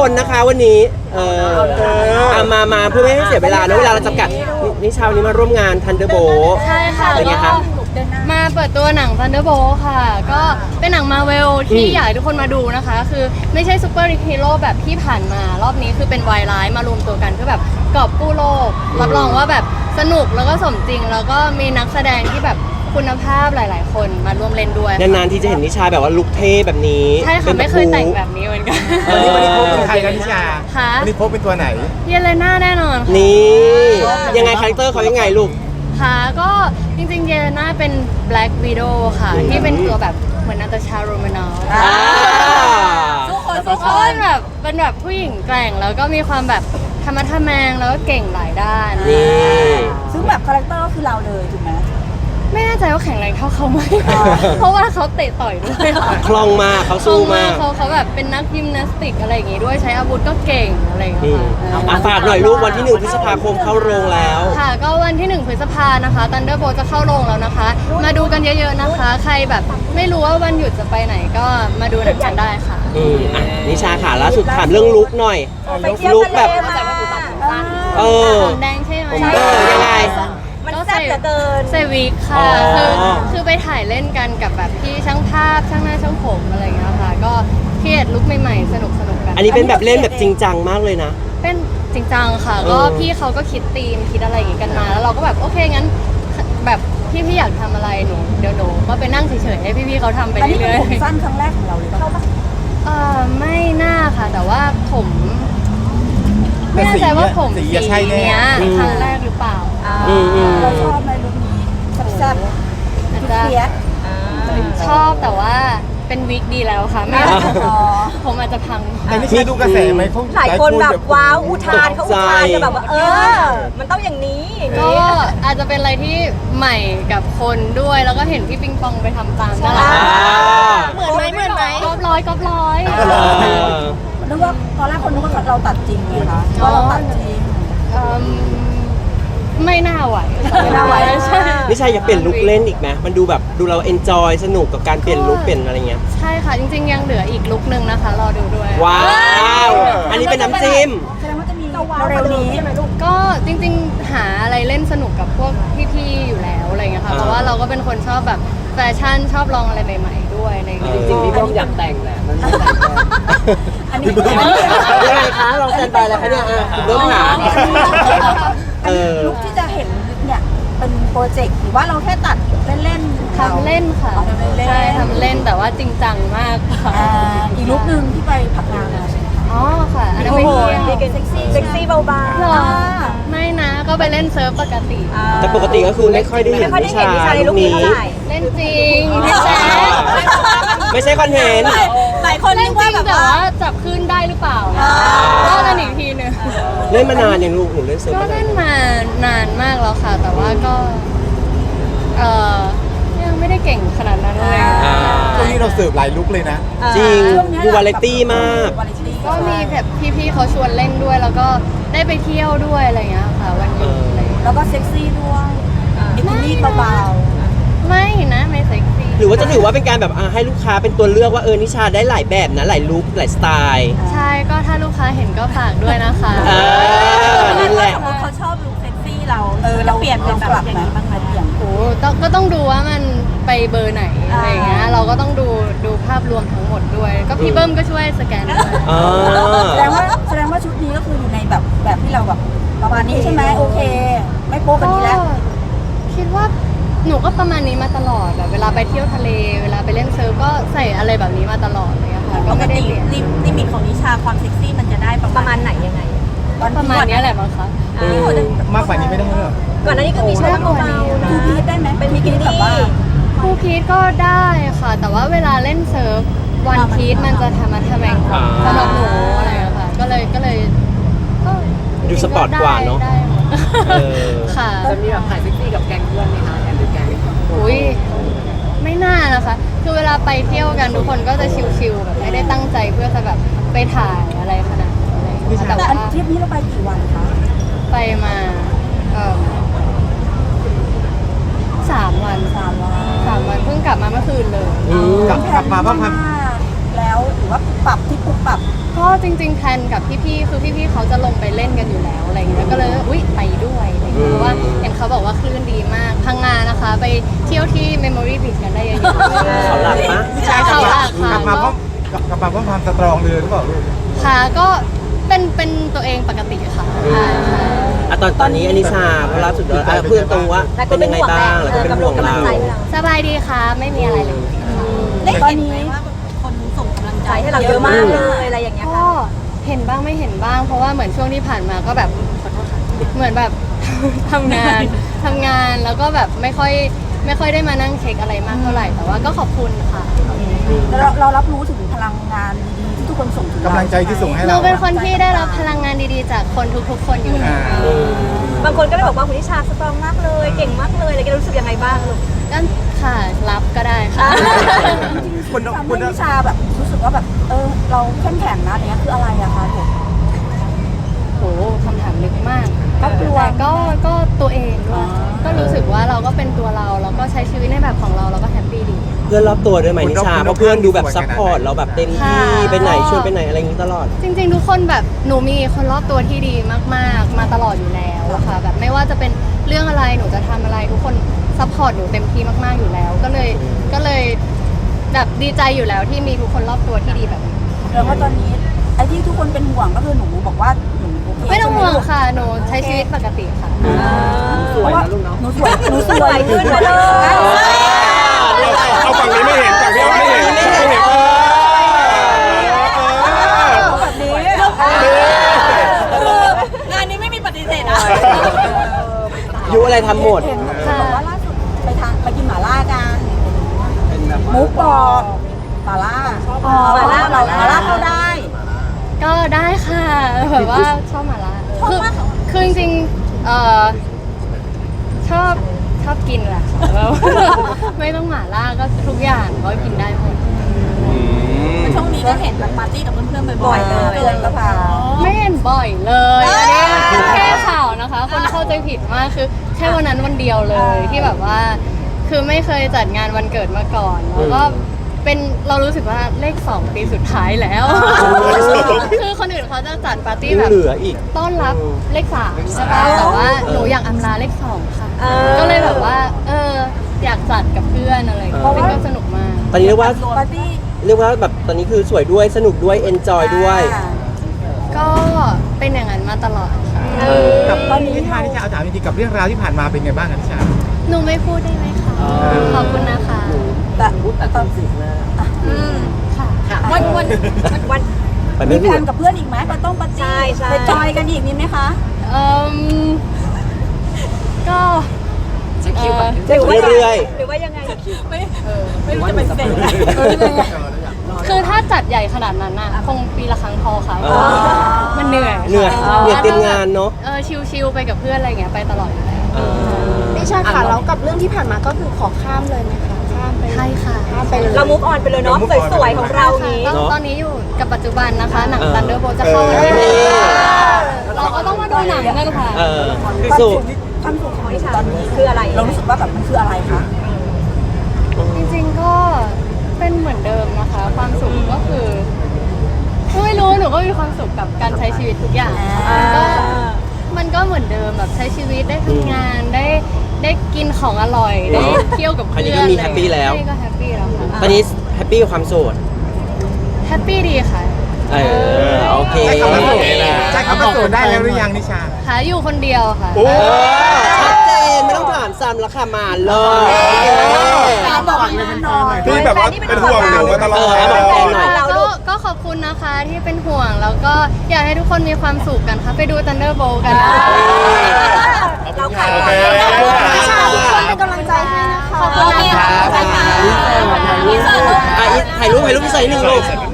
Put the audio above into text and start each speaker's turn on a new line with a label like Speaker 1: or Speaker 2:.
Speaker 1: คนนะคะวันนี้มาเพื่อไม่ให้เสียเวลานะเวลาเราจำกัดนิชาวันนี้มาร่วมงาน Thunderbolt
Speaker 2: ใช่ค่ะ
Speaker 1: เป็นไงคะ
Speaker 2: มาเปิดตัวหนัง Thunderbolt ค่ะ ก็เป็นหนังมาเวลที่อยากให้ทุกคนมาดูนะคะ คือไม่ใช่ซูเปอร์ฮีโร่แบบที่ผ่านมารอบนี้คือเป็นวายร้ายมารวมตัวกันเพื่อแบบกอบกู้โลกรับรองว่าแบบสนุกแล้วก็สมจริง แล้วก็มีนักแสดงที่แบบคุณภาพหลาย ๆ คนมาร่วมเล่นด้วยค่ะ
Speaker 1: นานๆที่จะเห็นนิชาแบบว่าลุคเท่แบบนี้
Speaker 2: ใช่ค่ะ
Speaker 1: ป็น
Speaker 2: ไม่เคยแต่งแบบนี้เหมือนกัน
Speaker 3: วันนี้โพสเป็นใครกันนิชา
Speaker 2: ค่ะ
Speaker 3: วันนี้โพสเป็นตัวไหน
Speaker 2: เยเลน่าแน่นอนค่ะ
Speaker 1: นี่ยังไงคาแรคเตอร์เขายังไงลูก
Speaker 2: ค่ะก็จริงๆเยเลน่าเป็น Black Widow ค่ะ ที่เป็นตัวแบบเหมือนนาตาชาโรมานอล
Speaker 4: ทุกคน
Speaker 2: เขาเป็นแบบผู้หญิงแกร่งแล้วก็มีความแบบธรรมะทะแมงแล้วก็เก่งหลายด้าน
Speaker 1: นี่
Speaker 4: ซึ่งแบบคาแรคเตอร์ก็คือเราเลยถูกไหม
Speaker 2: ไม่แน่ใจว่าแข็งแรงเท่าเขาไหม เพราะว่าเขาเตะต่อยด้วยค่ะ
Speaker 1: คล่องมากเขาสู้มาก
Speaker 2: เขาแบบเป็นนักยิมนาสติกอะไรอย่างงี้ด้วยใช้อาวุธก็เก่งอะไรอย่างเงี้ยค่ะ
Speaker 1: ฝากหน่อยลูกวันที่1 พฤษภาคมเข้าโรงแล้ว
Speaker 2: ค่ะก็วันที่ 1 พฤษภานะคะ Thunderbolt จะเข้าโรงแล้วนะคะ มาดูกันเยอะๆนะคะ ใครแบบไม่รู้ว่าวันหยุดจะไปไหนก็มาดูหนังกันได้ค่ะ
Speaker 1: นิชาค่ะล่าสุดถามเรื่องลุคหน่อย
Speaker 4: ไปเที่ยว
Speaker 1: ลุค
Speaker 4: ทะ
Speaker 1: แบบ
Speaker 4: เลมา
Speaker 1: เออ
Speaker 2: ผมแดงใช่ไหม
Speaker 1: ยังไง
Speaker 4: มันแซ่บเหลือเกิน
Speaker 2: ใส่วิกค่ะ
Speaker 1: อ๋อ
Speaker 2: คือไปถ่ายเล่นกันกับแบบพี่ช่างภาพช่างหน้าช่างผมอะไรอย่างเงี้ยค่ะ ก็เครียดลุคใหม่ๆสนุกกัน
Speaker 1: อันนี้เป็นแบบเล่นแบบจริงจังมากเลยนะ
Speaker 2: เป็นจริงจังค่ะ ก็พี่เขาก็คิดธีมคิดอะไรอย่างงี้กันมา แล้วเราก็แบบโอเคงั้นแบบพี่อยากทำอะไรเดี๋ยวหนูก็ไปนั่งเฉยๆให้พี่ๆเขาทำไป
Speaker 4: อันนี้เป็น
Speaker 2: เรื่อย
Speaker 4: ผมสั้นครั้งแรกของเราเลยป่ะ
Speaker 2: ไม่น่าค่ะ แต่ว่าผมไม่แน่ใจว่าผม
Speaker 3: สี
Speaker 2: สี
Speaker 3: อะใช่แน่
Speaker 2: เนี้ยครั้งแรกหรือเปล่า
Speaker 4: เราชอบไหมลุคนี้แซ่บ
Speaker 2: อาจ
Speaker 4: ๆ
Speaker 2: จะ
Speaker 4: เฟียส
Speaker 2: ชอบแต่ว่าเป็นวิกดีแล้วค่ะไม่อยากจะ
Speaker 4: อ๋อ
Speaker 2: ผมอาจจะพัง
Speaker 3: แต่นิชาดูกระแสไหมเขา
Speaker 4: หลายคนแบบว้าวอุทานเขาอุทานกันแบบว่ามันต้องอย่างนี้
Speaker 2: ก็อาจจะเป็นอะไรที่ใหม่กับคนด้วย แล้วก็เห็นพี่ปิงปองไปทำตามน่ารัก
Speaker 4: เหมือนไหม
Speaker 2: ก๊อปร้อย
Speaker 4: นึกว่าตอนแรกคนนึกว่าเราตัดจริงไงคะว่าเราตัดจริง
Speaker 2: ไม่น่าไหว
Speaker 4: ไม่น่าไหว
Speaker 2: ใช่
Speaker 1: นิชาอยากเปลี่ยนลุคเล่นอีกไหมมันดูแบบดูเราเอนจอยสนุกกับการเปลี่ยนลุคเปลี่ยนอะไรเงี้ย
Speaker 2: ใช่ค่ะ จริงๆ ยังเหลืออีกลุกนึงนะคะ รอดูด้วย
Speaker 1: ว้าว อันนี้เป็นน้ำจิ้ม
Speaker 4: แสดงว่าจะมีเร็วๆนี้
Speaker 2: ก็จริงๆ หาอะไรเล่นสนุกกับพวกพี่ๆ อยู่แล้วอะไรเงี้ยค่ะ เพราะว่าเราก็เป็นคนชอบแบบแฟชั่นชอบลองอะไรใหม่ๆ ด้วยอะไรเงี้ย
Speaker 1: จริงๆพี่
Speaker 5: พี่ต้องอยากแต่งแหละมันไม่แต่งแล้ว
Speaker 4: อันนี้
Speaker 1: ยังไงคะลองแซนไปแล้วคะเนี่ยเริ่มหา
Speaker 4: ลุคที่จะเห็นเนี่ยเป็นโปรเจกต์หรือว่าเราแค่ตัดเล่นๆ
Speaker 2: ทำเล่นค่ะ
Speaker 4: ทำเล่นๆ
Speaker 2: ใช่ทำเล่นแต่ว่าจริงจังมากค่ะ
Speaker 4: อีกลุคหนึ่งที่ไปผักงานมาใช่ไหมคะ
Speaker 2: อ๋อค่ะ อันนั้นไปเที่ยว
Speaker 4: เซ็กซี่เบา
Speaker 2: เหรอไม่นะ ก็ไปเล่นเซิร์ฟปกติ
Speaker 1: แต่ปกติก็คือไม่ค่อยได้เห็นนิชาลุคนี้
Speaker 2: เล่นจริงพี่แจ๊ค
Speaker 1: ไม่ใช่คอนเทนต์
Speaker 4: หลายคน
Speaker 2: เล่
Speaker 4: นึ
Speaker 2: น
Speaker 4: ก
Speaker 2: จริ
Speaker 4: ว่าง แบบ
Speaker 2: แต่
Speaker 4: ว่า
Speaker 2: ว่าจับขึ้นได้หรือเปล่าว่ากันอีกทีหนึง
Speaker 1: เล่นมานานยังลูกหนูเล่นเซิร์ฟ
Speaker 2: ก็
Speaker 1: มานาน
Speaker 2: เล่นมานานมากแล้วค่ะ แต่ว่าก็เออยังไม่ได้เก่งขนาดนั้นเลย
Speaker 3: ช่วงนี้เราเสิร์ฟหลายลุกเลยนะ
Speaker 1: จริงดูวาไรตี้มาก
Speaker 2: ก็มีแบบพี่ๆเขาชวนเล่นด้วย แล้วก็ได้ไปเที่ยวด้วยอะไรอย่างเงี้ยค่ะ วันหยุดอะไรอย่างเงี้ย
Speaker 4: แล้วก็เซ็กซี่ด้วยบิกินี่เบา
Speaker 2: ไม่นะไม่เซ็กซี่
Speaker 1: หรือว่าจะถือว่าเป็นการแบบให้ลูกค้าเป็นตัวเลือกว่านิชาได้หลายแบบนะหลายลุคหลายสไตล์
Speaker 2: ใช่ก็ถ้าลูกค้าเห็นก็ฝากด้วยนะคะ
Speaker 4: ๆ
Speaker 1: นั่นแหละ
Speaker 4: สมมติเขาชอบลุคเซ็กซี่เราเราเปลี่ยนเป็นแบบอย่างนี้บ้างไหมเปลี่ยน
Speaker 2: โอ้ก็ต้องดูว่ามันไปเบอร์ไหนอะไรอย่างเงี้ยเราก็ต้องดูภาพรวมทั้งหมดด้วย ก็พี่เบิ้มก็ช่วยสแกนด้วย
Speaker 1: อ๋อ
Speaker 4: แสดงว่าชุดนี้ก็คืออยู่ในแบบที่เราแบบประมาณนี้ใช่ไหมโอเค ไม่โป๊กันนี้แล้ว
Speaker 2: คิดว่าหนูก็ประมาณนี้มาตลอดแบบเวลาไปเที่ยวทะเล เวลาไปเล่นเซิร์ฟก็ใส่อะไรแบบนี้มาตลอดเลยอะค่ะก็ไม่ได้เปลี่ยน
Speaker 4: ลิมิตของนิชาความเซ็กซี่มันจะได้ประมาณไหนยังไง
Speaker 2: ประมาณนี้แหละมั้งคะ
Speaker 3: มากกว่านี้ไม่ได้เหรอ
Speaker 4: ก่อนหน้านี้ก็มีชุดเบาๆนะพีทได้ไหมเป็นบิกินี่แบบว่า
Speaker 2: คู่พีทก็ได้ค่ะ แต่ว่าเวลาเล่นเซิร์ฟวันพีทมันจะทำมาทำแมงสำหรับหนูอะไรอะค่ะก็เลยก็
Speaker 1: ดูสปอร์ตกว่าเนอะ
Speaker 2: ได้หมด
Speaker 1: เออ
Speaker 2: ค่ะ
Speaker 5: จะมีแบบถ่ายเซ็กซี่กับแก๊งเพื่อนไหมคะแอนหรือแก๊ง
Speaker 2: อุ้ยไม่น่านะคะ คือเวลาไปเที่ยวกันทุกคนก็จะชิลๆแบบไม่ได้ตั้งใจเพื่อจะแบบไปถ่ายอะไรขนาดนั้นอะไรอย่างเงี้ยแต่
Speaker 4: แต่
Speaker 2: ว่า
Speaker 4: อันทริปนี้เราไปกี่วันคะ
Speaker 2: ไปมา3 วัน
Speaker 4: 3 วัน
Speaker 2: 3 วันเพิ่งกลับมาเมื่อคืนเลย
Speaker 3: กลับมาบ้างพัน
Speaker 4: แล้วแล้วหรือว่าปรับที่ปุ๊บปรับ
Speaker 2: ก็จริงๆแพลนกับพี่ๆคือพี่ๆเขาจะลงไปเล่นกันอยู่แล้วอะไรเงี้ยก็เลยอุ๊ยไปด้วยอะไรเงี้ยเพราะว่าเห็นเขาบอกว่าคลื่นดีมากพังงานะคะ ไปเที่ยวที่ Memory Beach กันได้เยอะๆ
Speaker 1: เขาหลับปะ
Speaker 3: นิชาก
Speaker 2: เขาหลับ
Speaker 3: กลับมาพร้อม
Speaker 2: ค่ะ
Speaker 3: กลับมาพร้อมความสตรองเลยหรือเปล่าลูก
Speaker 2: ค่ะก็เป็นตัวเองปกติค่ะใช่
Speaker 1: ตอนนี้อนิชาเพราะล่าสุดเพื่อนตรงว่าเป็นยังไงบ้างแล้วก็เป็นห่วงเรา
Speaker 2: สบายดีค่ะไม่มีอะไรเลย
Speaker 4: ตอนนี้คนส่งกำลังใจให้เราเยอะมากเลยอะไรอย่างเงี้ย
Speaker 2: ก็
Speaker 4: ค่ะ
Speaker 2: เห็นบ้างไม่เห็นบ้าง เพราะว่าเหมือนช่วงที่ผ่านมาก็แบบขอโทษค่ะเหมือนแบบ ทำงานแล้วก็แบบไม่ค่อยได้มานั่งเช็คอะไรมากเท่าไหร่แต่ว่าก็ขอบคุณค่ะ
Speaker 4: เรารับรู้ถึงพลังงานดีๆที่ทุกคนส่งถึงเรา
Speaker 3: กำลังใจที่ส่งให้
Speaker 2: หนู
Speaker 3: เรา
Speaker 2: เป็นคนที่ได้รับพลังงานดีๆ จากคนทุกๆคนอยู่แล้ว
Speaker 4: บางคนก็ได้บอกว่าคุณนิชาสตรองมากเลยเก่งมากเลยอะไรกันรู้สึกยังไงบ้างลูก
Speaker 2: ก็ค่ะรับก็ได้ค่ะ
Speaker 3: คุณ
Speaker 4: ทำ
Speaker 3: คุ
Speaker 4: ให้
Speaker 3: ณ
Speaker 4: นิชาแบบรู้สึกว่าแบบเราเข้มแข็งนะอย่างเงี้ยคืออะไรอะคะลูก
Speaker 2: โหคำถามลึกมาก
Speaker 4: ก็กลัว
Speaker 2: แต่ก็ตัวเองด้วยก็รู้สึกว่าเราก็เป็นตัวเราแล้วก็ใช้ชีวิตในแบบของเราแล้วก็แฮปปี้ดี
Speaker 1: เพื่อนรอบตัวด้วยไหมนิชาเพราะเพื่อนดูแบบซัพพอร์ตเราแบบเต็มที่ไปไหนชวนไปไหนอะไรอย่างนี้ตลอด
Speaker 2: จริงๆ ทุกคนแบบหนูมีคนรอบตัวที่ดีมากๆ มาตลอดอยู่แล้วอะค่ะแบบไม่ว่าจะเป็นเรื่องอะไรหนูจะทำอะไรทุกคนซัพพอร์ตหนูเต็มที่มากๆอยู่แล้ว ก็เลยแบบดีใจอยู่แล้วที่มีทุกคนรอบตัวที่ดีแบบนี้
Speaker 4: แล้วว่าตอนนี้ไอ้ที่ทุกคนเป็นห่วงก็คือหนูบอกว่าหนูโอเค
Speaker 2: ไม่ต้องห่วง
Speaker 4: ใช่ไ
Speaker 2: ค่ะหนูใช้ชีวิตปกติค่ะ
Speaker 5: สวยนะลูกเนาะ
Speaker 4: หนูสวยขึ้นมาเลย
Speaker 6: เอาฝั่งนี้ไม่เห็นฝั่งนี้ไม่เห็นไม่เห็น
Speaker 4: แบบนี้คืองานนี้ไม่มีปฏิเสธนะ
Speaker 1: ยุอะไรทำหมด
Speaker 4: เห็นบอกว่าล่าสุดไปกินหม่าล่ากัน
Speaker 5: เป็นแบบ
Speaker 4: มุกบอกหม่าล่าหม่าล่าเข้าได้
Speaker 2: ก็ได้ค่ะแบบว่าชอบหมาล่าคือจริงๆชอบกินแหละแบบไม่ต้องหมาล่าก็ทุกอย่างก็กินได้หมด
Speaker 4: ช่วงนี้ก็เห็นปาร์ตี้กับเพื่อนๆบ่อยๆเลยเกินก็พา
Speaker 2: ไม่เห็นบ่อยเลยอันนี้แค่ข่าวนะคะ คนเข้าใจผิดมากคือแค่วันนั้นวันเดียวเลยที่แบบว่า คือไม่เคยจัดงานวันเกิดมาก่อนแล้วก็เป็นเรารู้สึกว่าเลข 2 ปีสุดท้ายแล้ว คือคนอื่นเขาจะจัดปาร์ตี้แบบ
Speaker 1: เหลืออีก
Speaker 2: ต้อนรับเลข 3ใช่ป่ะแต่ว่าหนูอยากอำลาเลข 2 ค่ะ ก็เลยแบบว่าอยากจัดกับเพื่อนอะไรอย่างเงี้ยเป็นก็สนุกมาก
Speaker 1: ตอนนี้เรียกว่า
Speaker 4: ปาร์ตี้
Speaker 1: แบบตอนนี้คือสวยด้วยสนุกด้วยเอนจอยด้วย
Speaker 2: ก็เป็นอย่างนั้นมาตลอดค่ะ
Speaker 3: กับตอนนี้นิชาเอาถามจริงๆกับเรื่องราวที่ผ่านมาเป็นไงบ้างครับนิชา
Speaker 2: หนูไม่พูดได้ไหมคะขอบคุณนะคะ
Speaker 4: แต่
Speaker 5: พูดแต่ตอนสิบนะ
Speaker 2: ค่ะ
Speaker 4: วัน
Speaker 1: ไป
Speaker 4: มี
Speaker 1: ไม่
Speaker 4: แพ
Speaker 1: พู
Speaker 4: ล
Speaker 1: ด
Speaker 4: นกับเพื่อนอีกไหมไปต้องปาร์ตี้ไปจอยกันอีกมีไหมคะ
Speaker 2: เอ่มก็
Speaker 5: เช็คคิวก่อน
Speaker 1: เรื่อย
Speaker 4: หรือว่ายังไง
Speaker 5: ไม่รู้จะเป็นเซ็น
Speaker 2: คือถ้าจัดใหญ่ขนาดนั้นน่ะคงปีละครั้งพอค่ะ
Speaker 1: ๆ
Speaker 2: เพราะว่ามันเหนื่อย
Speaker 1: เหนื่อยเตรียมงานเนาะ
Speaker 2: ชิลๆไปกับเพื่อนอะไรเงี้ยไปตลอดอยู่แล้ว
Speaker 7: นิชาค่ะแล้วกับเรื่องที่ผ่านมาก็คือขอข้ามเลยไหมคะข้ามไป
Speaker 2: ใช่ค่ะ
Speaker 7: ข้ามไปเลย
Speaker 4: เรามุกออนไปเลยเนาะสวยๆของเรานี้
Speaker 2: ตอนนี้อยู่กับปัจจุบันนะคะ หนัง Thunderbolt จะเข้าวันที่
Speaker 1: นี่
Speaker 2: เราก็ต้องมาดูหนังกันค่ะ
Speaker 1: สุด
Speaker 4: ความสุขของนิชาตอนนี้คืออะไร เรารู้สึกว่าแบบมันคืออะไรคะ
Speaker 2: จริงๆก็เป็นเหมือนเดิมนะคะ ความสุขก็คือไม่รู้หนูก็มีความสุขกับการใช้ชีวิตทุกอย่างมันก็เหมือนเดิมแบบใช้ชีวิตได้ทำงานได้กินของอร่อยได้เที่ยวกับเพื่อน
Speaker 1: อันนี้ก็มีแฮปปี้แล้ว
Speaker 2: ใช่ก็แฮปปี้แล้วค่ะ
Speaker 1: ตอนนี้แฮปปี้กับความโสด
Speaker 2: แฮปปี้ดีค่ะ
Speaker 1: โอเค
Speaker 3: ใช่คำว่าโสดได้แล้วหรือยังนิชา
Speaker 2: หาอยู่คนเดียวค่ะ
Speaker 1: ชัดเจนไม่ต้องถามซ้ำแล้วค่ะมาเลย
Speaker 6: ที่แบบว่าเป็นห่วงหนูมาตลอด
Speaker 1: บอกแฟนหน่อย
Speaker 2: ก็ขอบคุณนะคะที่เป็นห่วงแล้วก็อยากให้ทุกคนมีความสุขกันค่ะ ไปดู Thunderbolt กันนะ
Speaker 4: เราขาย
Speaker 6: โอเค
Speaker 7: นิชาทุกคนเป็นกำลังใจให้นะคะ
Speaker 2: ขอบคุณนะคะ
Speaker 1: ถ่ายรูปพี่ใส่หนึ่งลูก